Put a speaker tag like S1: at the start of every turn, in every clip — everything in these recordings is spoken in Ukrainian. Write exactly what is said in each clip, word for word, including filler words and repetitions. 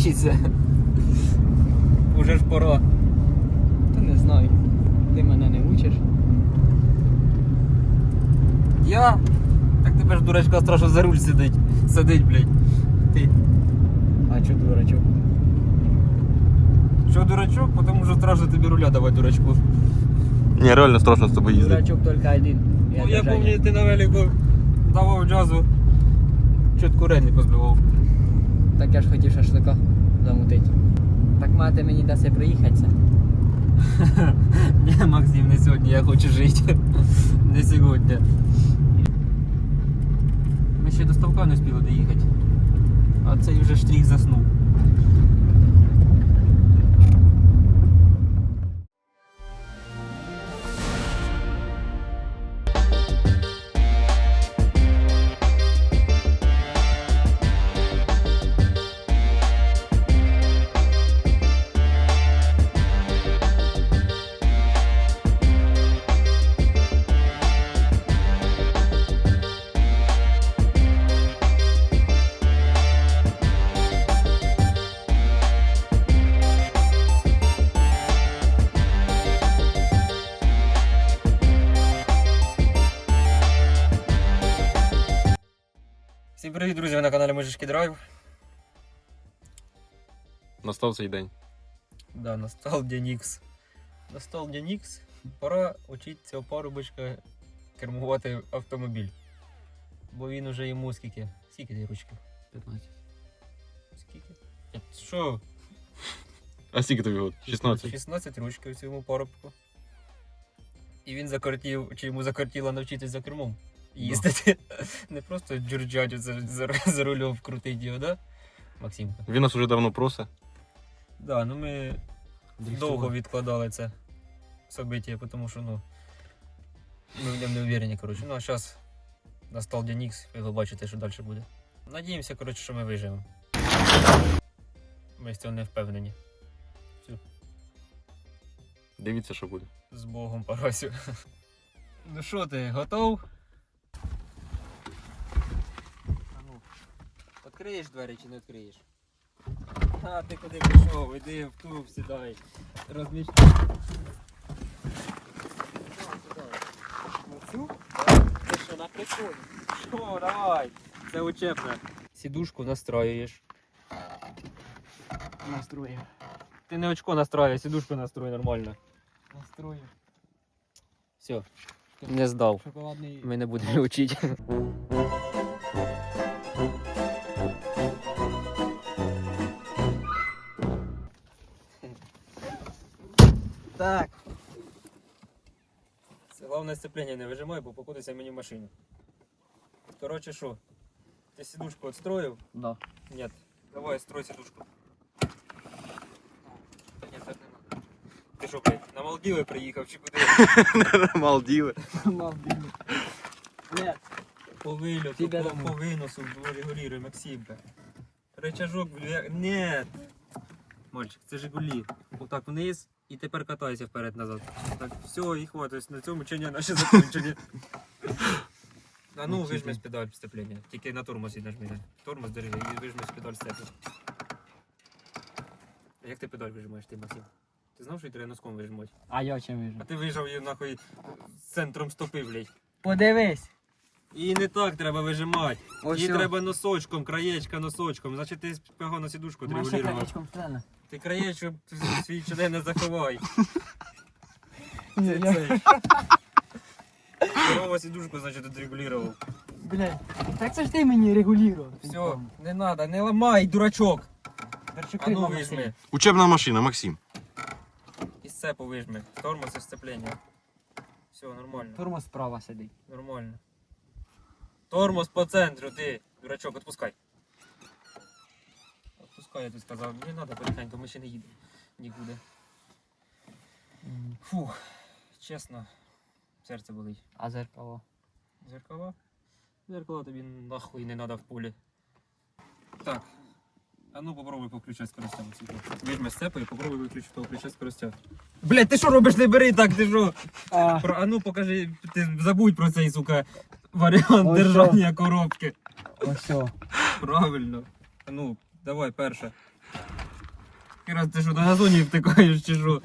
S1: вчитися. Уже ж пора.
S2: Та не знаю. Ти мене не учиш.
S1: Я? Так тебе ж дурачка страшно за руль сидить. Сидить, блядь. Ти.
S2: А чо дурачок?
S1: Що дурачок? Потому що страшно тобі руля давати дурачку.
S3: Ні, реально страшно з тобою їздити.
S2: Дурачок тільки один.
S1: Ну я пам'ятаю, ти на велику давав джазу. Чітко релі позбивав.
S2: Так я ж хотів шашлика замутити. Так мати мені дасть приїхатися.
S1: Ні, Максим, не сьогодні, я хочу жити. Не сьогодні. Ми ще до ставка не встигли доїхати. А цей вже штрих заснув. Всім привіт, друзі, ви на каналі Мужички Драйв.
S3: Настав цей день.
S1: Да, настав день Ікс. Настав день Ікс. Пора учити цього парубочка кермувати автомобіль. Бо він уже йому скільки? Скільки ті ручки?
S2: п'ятнадцять.
S1: Скільки? Що?
S3: А скільки тобі год? шістнадцять.
S1: шістнадцять ручків цьому парубку. І він закортів, чи йому закортіло навчитись за кермом їздити. Не просто джурджадю за, за, за рулем вкрутить його, да? Максимка?
S3: Він нас уже давно просить.
S1: Да, ну ми довго відкладали це событие, тому що, ну, ми в ньому не уверені, коротше. Ну, а зараз настав день Ікс, і ви бачите, що далі буде. Надіємося, коротше, що ми виживемо. Ми з цього не впевнені. Все.
S3: Дивіться, що буде.
S1: З Богом, Парасю. Ну що ти, готов? А ну, відкриєш двері чи не відкриєш? А, ти куди пішов? Іди в клуб, сідай. Розміщ.
S2: Оцю? Ти що, на приколі?
S1: Що, давай. Це учебне. Сідушку настроюєш.
S2: Настрою.
S1: Ти не очко настроюй, сідушку настрой нормально.
S2: Настрою.
S1: Все, не здав.
S2: Шоколадний.
S1: Ми не будемо вчити.
S2: Так.
S1: Це головне сцеплення не вижимай, бо покутися мені в машину. Коротше, що? Ти сідушку відстроїв?
S2: Да.
S1: Ні. Давай, строй сідушку. Та ні, так не надо. Ти що, блядь, на Малдіви приїхав чи куди?
S3: Малдіви.
S2: Малдивно. Нет.
S1: По вильоту,
S2: Тебе
S1: по,
S2: домой.
S1: по виносу регулируй, Максимка. Рычажок, бля, нет. Мальчик, це Жигулі. Отак вниз і тепер катайся вперед-назад. Так, все, і хватить. На цьому чиня наші закінчені. А ну, вижми з педаль сцеплення. Тільки на тормоз і нажми. Тормоз держи і вижми з педаль сцеплення. А як ти педаль вижимаєш, ти, Максим? Ти знав, що її треба носком вижимати?
S2: А я чим
S1: А
S2: вижу?
S1: ти вижав її нахуй з центром стопи, блядь.
S2: Подивись.
S1: Її не так треба вижимати.
S2: Ось
S1: Її
S2: що.
S1: треба носочком, краєчка носочком. Значить ти погано сідушку
S2: Маша
S1: регулював.
S2: краєчком втрена.
S1: Ти краєчок свій член не заховай.
S2: Ні,
S1: Це
S2: я...
S1: цей. Корова сідушку, значить, відрегулював.
S2: Блядь, так це ж ти мені регулював.
S1: Все, не треба, не ламай, дурачок. А ну вижми.
S3: Учебна машина, Максим.
S1: І сцепу вижми. Тормоз і сцеплення. Все, нормально.
S2: Тормоз справа сидить.
S1: Нормально. Тормоз по центру, ти, дурачок, відпускай. Відпускай, я тобі сказав. Не треба потихеньку, ми ще не їдемо нікуди. Фух, чесно, серце болить.
S2: А зеркало?
S1: Зеркала? Зеркала тобі нахуй не треба в полі. Так. А ну попробуй повключати скоростя. Візьми сцепу і попробуй виключити того ключа скоростя. Блять, ти що робиш, не бери так, ти що?
S2: А,
S1: Про, а ну покажи, ти забудь про цей, сука, варіант
S2: Ось
S1: держання коробки.
S2: ось все.
S1: Правильно. А ну, давай, перше. Раз ти що, на газоні втикаєш чи що?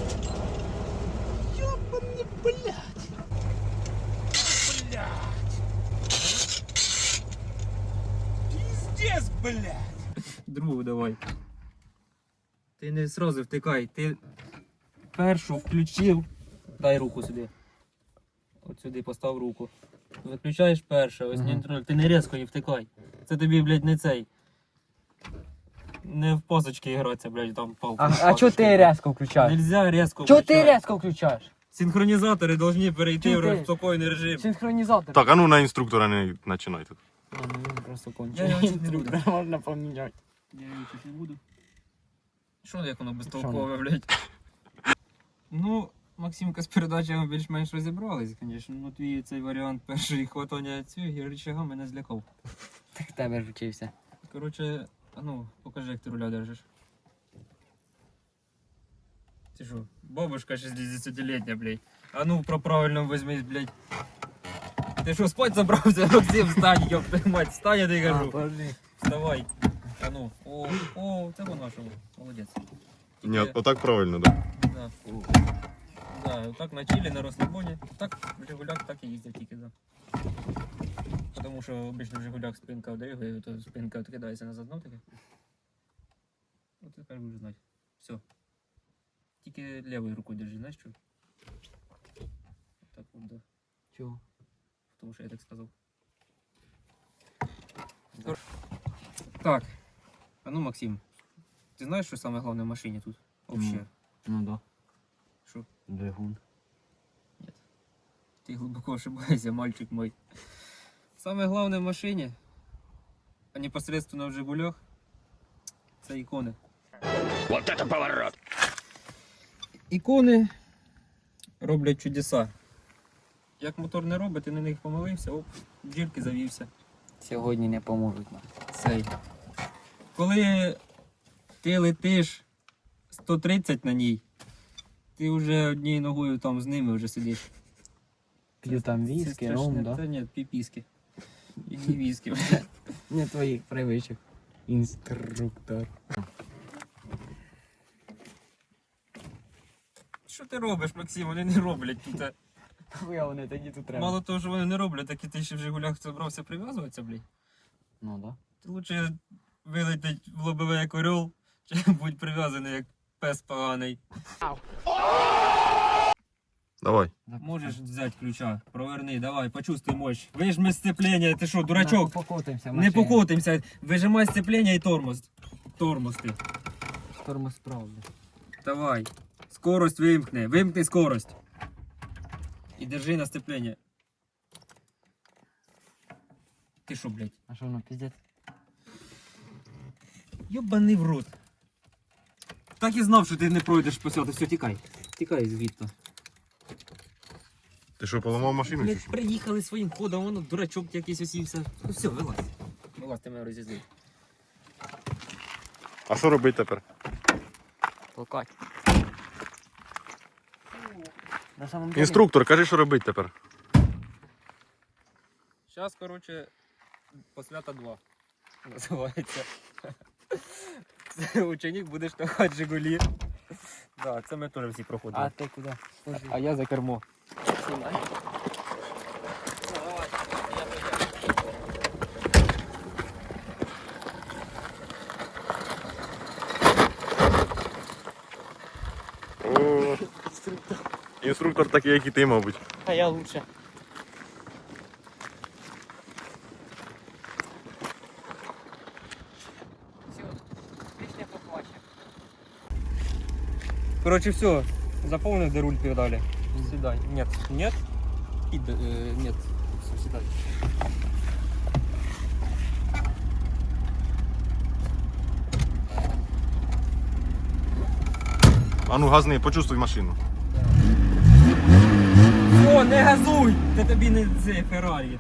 S4: Пиздец, блядь!
S1: Другу давай. Ти не сразу втикай, ти першу включив. Дай руку сюди. От сюди постав руку. Виключаєш перше, ось
S2: Ага.
S1: нейтраль. Ти не різко не втикай. Це тобі, блядь, не цей. Не в пасочки гратися, блядь, там палку.
S2: А, а чого ти різко включаєш?
S1: Нельзя різко
S2: Чого ти
S1: включати.
S2: різко включаєш?
S1: Синхронізатори повинні перейти
S2: Чого
S1: в
S2: ти?
S1: спокійний режим.
S2: Синхронізатор.
S3: Так, а ну на інструктора не починай тут.
S2: А, ну він просто
S1: Я
S2: кончений.
S1: його чуть не буду.
S2: Інструктор можна поміняти.
S1: Я його чуть не буду. Що як воно
S2: Що
S1: безтолкове, блядь? Ну, Максимка з передачами більш-менш розібрались, звісно. Ну твій цей варіант першої хватання цієї рычага мене злякав.
S2: Так в тебе ж вчився.
S1: Коротше, а ну, покажи, як ти руля держиш. Ти що, бабушка шістдесятилітня, блядь. А ну, про правильно візьмись, блядь. Ти що, спать забрався? Максим, встань, ёб твою мать, встань, я тобі кажу.
S2: подожди.
S1: Вставай. А ну, о, о, це воно що, молодець.
S3: Ні,
S1: Тільки-
S3: отак правильно, так.
S1: Да. Да, так на чилі, на розслабоні. Так, в Жигулях так і їздять тільки, да. Тому що обично в Жигулях спинка вдригає, то спинка відкидається назад, ну таке. От тепер будеш знати. Все. Тільки лівою рукою держи, знаєш що? Так от, да.
S2: Чого?
S1: Тому що я так сказав. Так. А ну, Максим, ти знаєш, що саме головне в машині тут? Вообще.
S2: Ну да.
S1: Що?
S2: Двигун.
S1: Ты глубоко ошибаешься, мальчик мой. Самое главное в машине, а непосредственно в Жигулях, це ікони.
S4: Вот это поворот!
S1: Ікони роблять чудеса. Як мотор не робить, ти на них помилився, оп, в дірки завівся.
S2: Сьогодні не поможуть нам.
S1: Цей. Коли ти летиш сто тридцять на ній, ти вже однією ногою там з ними вже сидиш.
S2: П'ю там
S1: Це
S2: віскі,
S1: страшне.
S2: ром, да?
S1: Та ні, піпіски. І не віскі.
S2: Не твоїх привичок. Інструктор.
S1: Що ти робиш, Максим? Вони не роблять тут.
S2: Хуя вони тоді тут треба.
S1: Мало того, що вони не роблять, так і ти ще в Жигулях збрався прив'язуватися, блядь.
S2: Ну да.
S1: Ти лучше вилетить в лобове як орел, чи будь прив'язаний як пес поганий.
S3: Давай.
S1: Можеш взяти ключа, проверни, давай, почувствуй мощь. Вижми сцеплення, ти що, дурачок?
S2: Не покотимося.
S1: Не покотимся, вижимай сцеплення і тормоз. Тормоз ти.
S2: Тормоз правда.
S1: Давай. Скорость вимкни, вимкни скорость. І держи на сцеплення. Ти що, блядь?
S2: А що воно піздець?
S1: Йобаний в рот. Так і знав, що ти не пройдеш по цьому. Все, тікай. Тікай звідти.
S3: Ти що, поламав машину чи
S1: Блядь,
S3: що?
S1: приїхали своїм ходом, воно дурачок якийсь осівся. Ну все, вилазь. Вилазь, ти мене розізлив.
S3: А що робити тепер?
S2: Толкать. На самом деле.
S3: Інструктор, кажи, що робити тепер.
S1: Зараз, коротше, посвята два. Називається. Це ученик буде штовхати Жигулі. Да, це ми теж всі проходили.
S2: А ти куди? Схожий.
S1: А я за кермо.
S2: Снимай.
S3: О, інструктор такий, як і ти, мабуть.
S2: А я лучше. Все, пісня поплаче.
S1: Короче, все. Заполнил, де руль передали. Сюда. Нет. Нет. И, э, нет. Все, сюда.
S3: А ну газни, почувствуй машину.
S1: О, не газуй! Це тобі не це Феррарі.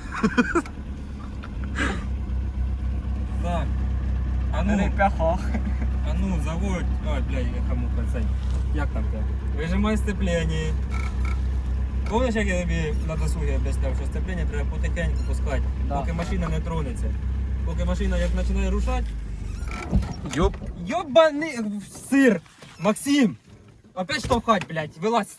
S1: Так. А ну,
S2: Рикахах.
S1: а ну, заводь. Ой, бля, я кому цей. Як там це? Вижимай сцеплення. Помниш, як я тобі на досугі об'ясняв, що сцеплення треба потихеньку пускати,
S2: Да.
S1: поки машина не тронеться. Поки машина як починає рушати,
S3: Йоп.
S1: Йобаний сир! Максим! Опять штовхать, блядь, вилазь!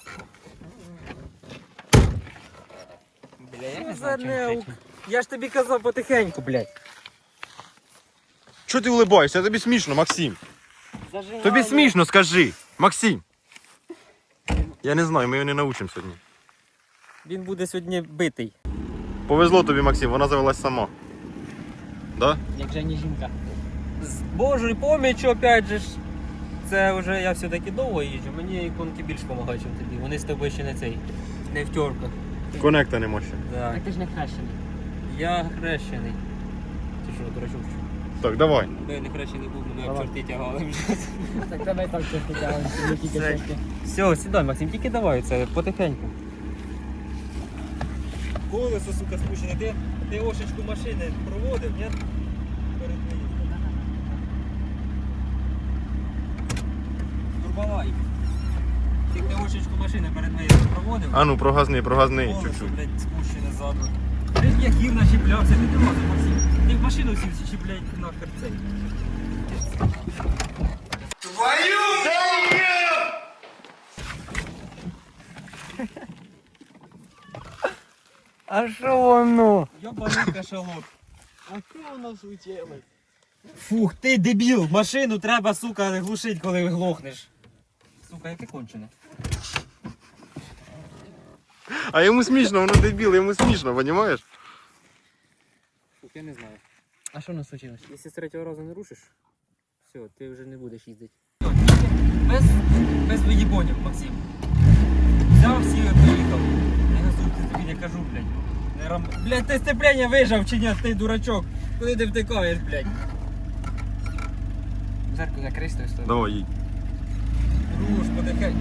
S1: Бля, я не знаю, чим кричу. Я ж тобі казав потихеньку, блядь.
S3: Чого ти улибаєшся? Тобі смішно, Максим. Тобі смішно, скажи. Максим. Я не знаю, ми його не научимо сьогодні.
S1: Він буде сьогодні битий.
S3: Повезло тобі, Максим, вона завелась сама. Да?
S2: Як же не жінка.
S1: З Божою поміччю, опять же ж, це вже я все-таки довго їжджу, мені іконки більш допомагають, ніж тобі. Вони з тобою ще не цей, не в тьорках.
S3: Конекта нема ще.
S1: Да.
S2: Так ти ж не хрещений.
S1: Я хрещений. Ти що, дурачок?
S3: Так, давай.
S1: Бо я не хрещений був, мене
S2: Давай.
S1: об чорти тягали вже.
S2: Так давай так чорти тягали, не тільки
S1: Все.
S2: чорти.
S1: Все, сідай, Максим, тільки давай це потихеньку. Колесо, сука, спущене. Ти, ти ошечку машини проводив, ні? Перед виїздом. Турбалай. Ти ти ошечку машини перед виїздом проводив?
S3: А ну, прогазни, прогазни
S1: Колесо,
S3: чуть-чуть.
S1: блядь, спущене ззаду. Ти ж як гір начіплявся, ти не лазив, Максим. Ти в машину всі чіпляй нахер цей.
S2: А що воно?
S1: Йобаний кашалот.
S2: А що воно случилось?
S1: Фух, ти дебіл, машину треба, сука, глушить, коли глохнеш. Сука, яке кончене.
S3: А йому смішно, воно дебіл, йому смішно, розумієш?
S1: Фух, я не знаю.
S2: А що воно случилось?
S1: Якщо з третього разу не рушиш, все, ти вже не будеш їздити. Без, без виїбонів, Максим. Взяв всі і поїхав. Не газуй, ти тобі не кажу, блядь. Не рам... Блядь, ти сцеплення вижав чи ні, ти дурачок. Куди ти втикаєш, блядь?
S2: Зеркало закрий з тої сторони.
S3: Давай, їдь.
S1: Руш, потихеньку.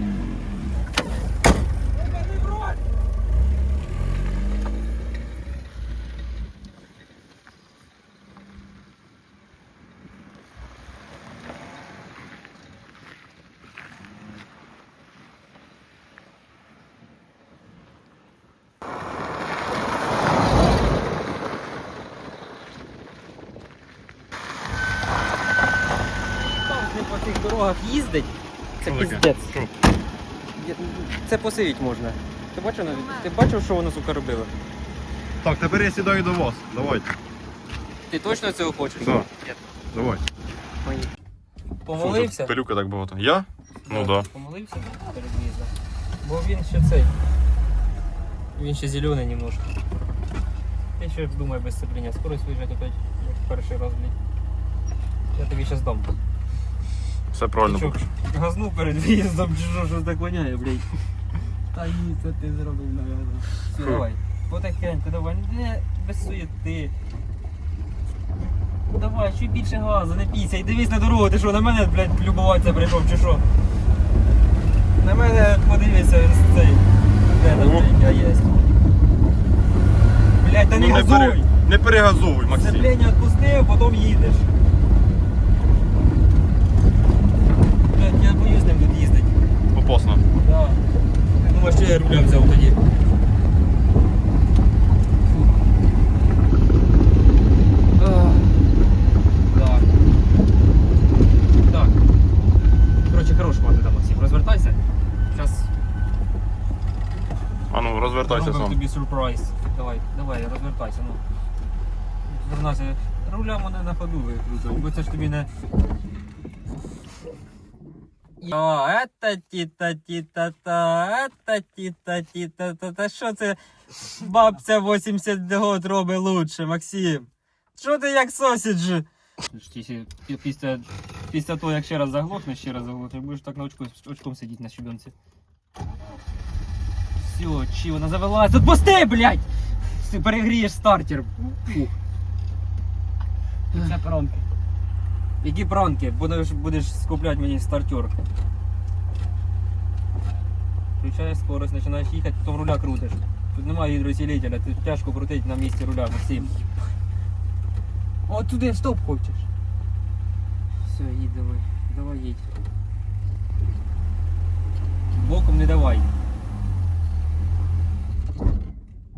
S1: Не по цих дорогах їздить. Це
S3: Що таке?
S1: піздець.
S3: Що?
S1: Я- Це посивіть можна. Ти бачив, навіть- ти бачив, що воно, сука, робило?
S3: Так, тепер я сідаю до вас. Давайте.
S1: Ти точно цього хочеш?
S3: Да.
S1: Ні.
S3: Давай.
S1: Помолився?
S3: Фу, тут пилюка так багато. Я? Ну да.
S1: Помолився перед в'їздом. Бо він ще цей. Він ще зелений немножко. Ти ще думай без сцеплення. Скорость виїжджати опять, як в перший раз, блядь. Я тобі зараз дам.
S3: Все правильно
S1: Ти
S3: поки що.
S1: що, газну перед в'їздом, чи що, що так воняє, блядь.
S2: Та ні, це ти зробив, наверное.
S1: Все, давай. Потихеньку, давай, не без суєти. Давай, чуть більше газу, не пійся. І дивись на дорогу, ти що, на мене, блядь, любуватися прийшов, чи що? На мене подивися з цей. Де там,
S3: О.
S1: блядь, я єсть. Блядь, та не
S3: Ну, не,
S1: газуй!
S3: пере... не перегазовуй, Максим.
S1: Сцеплення відпустив, потім їдеш. Блядь, я боюсь з ним тут їздити.
S3: Опасно.
S1: Да. Ти думаєш, що я руля взяв тоді? Так. Так. Коротше, хорош мати там, Максим. Розвертайся. Зараз
S3: А ну, розвертайся
S1: робимо
S3: сам.
S1: тобі сюрприз. Давай, давай, розвертайся, ну. Вернайся. Руля мене на ходу викрутив, бо це ж тобі не... О, это тіта-тіта-та, это тіта-тіта-та. Що це бабця вісімдесят год робить лучше, Максим? Що ти як сосідж? Після, після того, як ще раз заглохнеш, ще раз заглохнеш, будеш так на очку, очком сидіти на щебенці. Все, чи вона завелась? Отпусти, блядь! Ти перегрієш стартер. Фух.
S2: Це промки.
S1: Які пранки? Будеш, будеш скупляти мені стартер. Включаєш скорость, починаєш їхати, потім руля крутиш. Тут немає гідроусилителя, тут тяжко крутити на місці руля, Максим.
S2: О, туди в стоп хочеш.
S1: Все, їдь давай. Давай їдь. Боком не давай.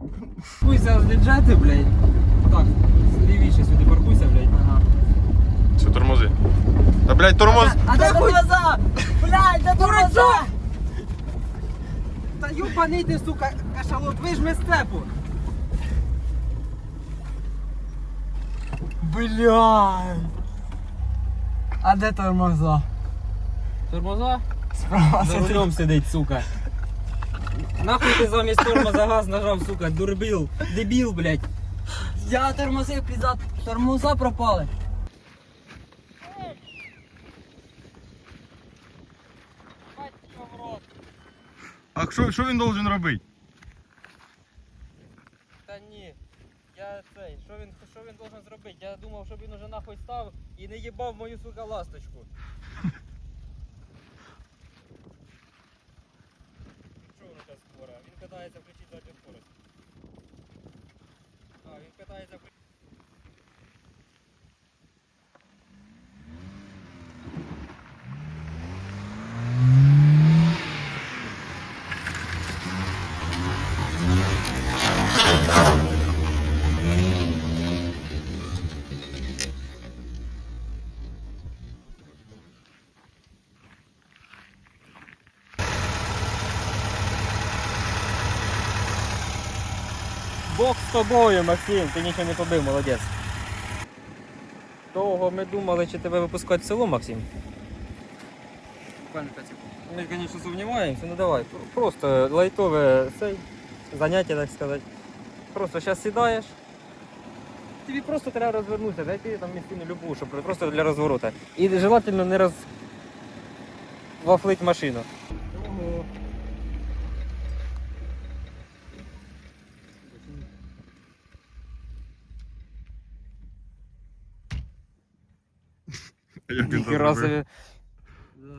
S1: Паркуйся з бюджети, блядь. Так, лівіше сюди паркуйся, блядь.
S2: Ага.
S3: Все, тормози. Та, блядь, тормоз.
S2: А де тормоза? Блядь, де тормоза?
S1: Та юбаний ти, сука, кашалот, вижми сцепу.
S2: Блядь. А де тормоза?
S1: Тормоза?
S2: Справа
S1: За
S2: сидить.
S1: рулем сидить, сука. Нахуй ти замість тормоза газ нажав, сука, дурбіл, дебіл, блядь.
S2: Я тормозив пізда, тормоза пропали.
S3: А що, що він должен робити?
S1: Та ні, я цей, що він, що він должен зробити? Я думав, щоб він уже нахуй став і не їбав мою, сука, ласточку. Що воно зараз скоро? Він катається, включить задню скорость. А, він катається, включить. Бог з тобою, Максим, ти нічого не побив, молодець. Довго ми думали, чи тебе випускати в село, Максим.
S2: Буквально п'ять секунд.
S1: Ми, звісно, сумніваємося, ну давай. Просто лайтове цей, заняття, так сказати. Просто зараз сідаєш. Тобі просто треба розвернутися, знайти там місцину любу, щоб просто для розворота. І желательно не роз... вафлить машину.
S2: Ого.
S3: Як він це
S1: Ніхера
S3: зробив?
S1: собі. Да.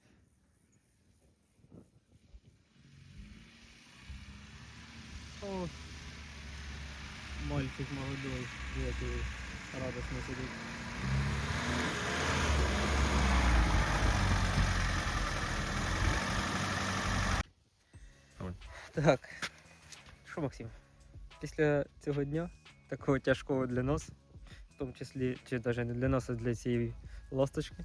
S1: О, мальчик молодой, який радостно сидить.
S3: Давай.
S1: Так. Що, Максим? Після цього дня, такого тяжкого для нас, в тому числі, чи навіть не для нас, а для цієї ласточки,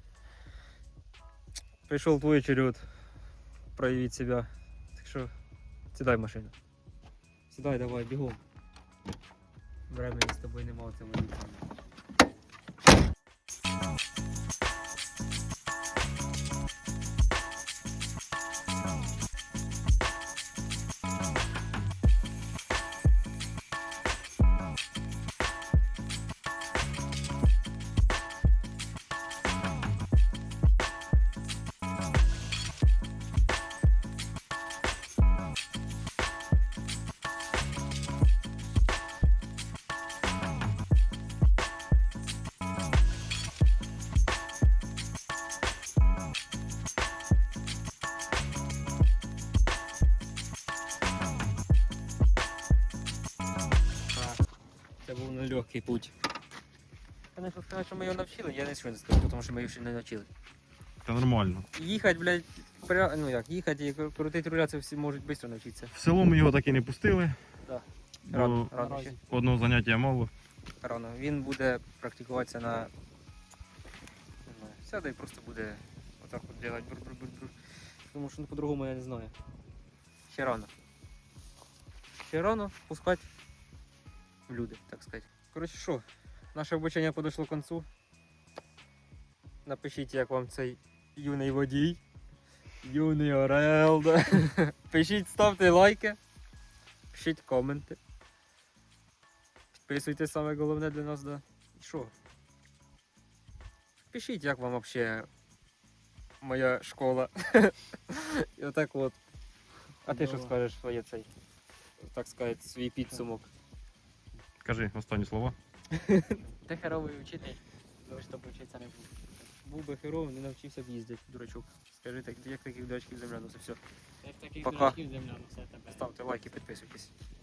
S1: прийшов твій черед проявити себе. Так що сідай в машину. Сідай, давай, бігом. Времени з тобою нема в цьому віці. Це був нелегкий путь. Конечно, сказати, що ми його навчили, я нічого не скажу, тому що ми його ще не навчили.
S3: Та нормально.
S1: Їхати, блядь, пря... ну як, їхати і крутити руля, це всі можуть швидко навчитися.
S3: В село ми його так і не пустили.
S1: Да.
S3: Бо
S1: Рано, рано ще.
S3: одного заняття мало.
S1: Рано. Він буде практикуватися на... Не знаю, сяде і просто буде отак от делать бур-бур-бур-бур. Тому що ну, по-другому я не знаю. Ще рано. Ще рано пускати в люди, так сказати. Коротше, що? Наше обучення подійшло к концу. Напишіть, як вам цей юний водій. Юний орел. Да? Пишіть, ставте лайки. Пишіть коменти. Підписуйтесь, саме головне для нас, да. І що? Пишіть, як вам взагалі моя школа. І отак от. А ти що скажеш своє цей, так сказати, свій підсумок?
S3: Кажи останні слова.
S2: Ти херовий вчитель, щоб вчитися не був.
S1: Був би херовим, не навчився б їздити, дурачок. Скажи, так, як таких дурачків земля, ну це все.
S2: Як таких
S1: Пока.
S2: дураків земля, ну все тебе.
S1: Ставте лайки, підписуйтесь.